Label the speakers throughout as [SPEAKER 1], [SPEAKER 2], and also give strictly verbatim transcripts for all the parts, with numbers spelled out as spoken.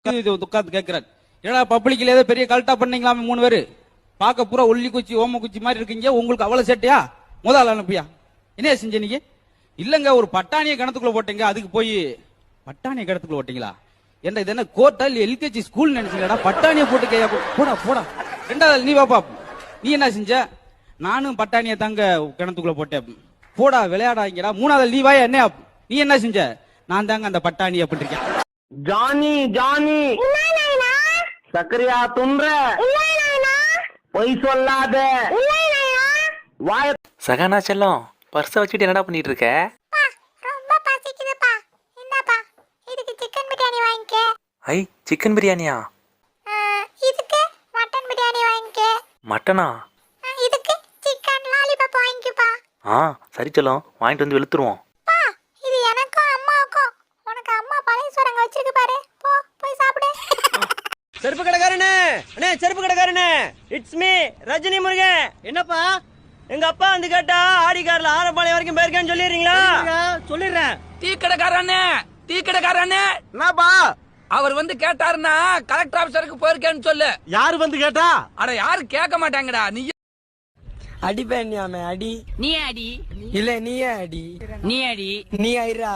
[SPEAKER 1] உட்காந்து கேட்கிறார், ஏன்னா பப்ளிக்ல ஏதோ பெரிய கல்ட்டா பண்ணீங்களாமே மூணு பேரு, பார்க்க பூரா ஒல்லி குச்சி ஓம குச்சி மாதிரி இருக்கீங்க, உங்களுக்கு அவ்வளவு சேட்டையா, முதல் அனுப்பியா என்ன செஞ்ச நீங்க? இல்லங்க ஒரு பட்டாணியை கிணத்துக்குள்ள போட்டீங்க, அதுக்கு போய் பட்டாணியை கிணத்துக்குள்ள போட்டீங்களா? என்ன இது என்ன கோர்ட்டா இல்ல எல்கேஜி ஸ்கூல் நினைச்சீங்களா? பட்டாணியை போட்டு கையா போடா போடா. ரெண்டாவது நீ வாப்பா, நீ என்ன செஞ்ச? நானும் பட்டாணியை தாங்க கிணத்துக்குள்ள போட்டேன். போடா விளையாடாங்கடா. மூணாவது நீ வாயா, என்ன நீ என்ன செஞ்ச? நான் தாங்க அந்த பட்டாணி அப்படி இருக்கேன்.
[SPEAKER 2] ஜானி ஜானி சக்கரையா துன்ற பொய் சொல்லாத.
[SPEAKER 3] சகானா செல்லம், பர்ஸ வச்சுட்டு என்னடா பண்ணிட்டு இருக்க?
[SPEAKER 4] ரொம்ப பசிக்குதுப்பா, இந்தாப்பா இதுக்கு சிக்கன் பிரியாணி வாங்கிக்க.
[SPEAKER 3] ஐ சிக்கன் பிரியாணியா?
[SPEAKER 4] இதுக்கு மட்டன் பிரியாணி வாங்கிக்க.
[SPEAKER 3] மட்டனா?
[SPEAKER 4] இதுக்கு சிக்கன் லாலிபாப் வாங்கிக்கப்பா.
[SPEAKER 3] ஆ சரி செல்லம், வாங்கிட்டு வந்து வெளுத்துருவோம்.
[SPEAKER 4] பா இது எனக்கும் அம்மாவுக்கும். உனக்கு அம்மா பழைய சோறங்க வச்சிருக்கு பாரு, போ போய் சாப்பிடு.
[SPEAKER 2] செருப்பு கடைக்காரனே, அண்ணே செருப்பு கடைக்காரனே, இட்ஸ் மீ ரஜினி முருகன். என்னப்பா? எங்க அப்பா வந்து கேட்டா ஆடி கார்ல ஆரப்பாளையம் வரைக்கும் போயிருக்கேன்னு சொல்லிடுறீங்களா? சொல்லிடுறேன்.
[SPEAKER 5] டீ கடைக்காரனே, டீ கடைக்காரனே,
[SPEAKER 2] என்னப்பா?
[SPEAKER 5] அவர் வந்து கேட்டாருன்னா கலெக்டர் ஆபீசருக்கு போயிருக்கேன்னு சொல்லு.
[SPEAKER 2] யாரு வந்து கேட்டா?
[SPEAKER 5] அட யாரு கேட்க மாட்டாங்கடா. நீ
[SPEAKER 2] அடிப்பேன்யாமே அடி.
[SPEAKER 6] நீ அடி
[SPEAKER 2] இல்ல நீயே அடி.
[SPEAKER 6] நீ அடி
[SPEAKER 2] நீ ஐரா.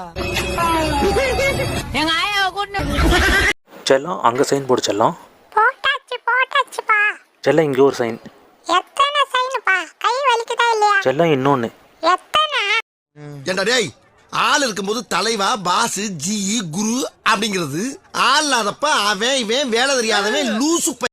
[SPEAKER 6] எங்க ஆயாவை கூட்டு.
[SPEAKER 3] செல்லம் அங்க சைன் போடு செல்லம்.
[SPEAKER 4] போட்டாச்சு போட்டாச்சுப்பா.
[SPEAKER 3] செல்லம் இங்க ஒரு சைன்.
[SPEAKER 4] எத்தனை சைனுப்பா? கை வலிக்குதா இல்லையா?
[SPEAKER 3] செல்லம் இன்னொன்னு.
[SPEAKER 4] எத்தனை?
[SPEAKER 7] ஏண்டா டேய், ஆள் இருக்கும்போது தலைவா பாஸ் ஜி குரு அப்படிங்கிறது, ஆள் இல்லாதப்ப அவன் இவன் வேலை தெரியாதவன் லூசு.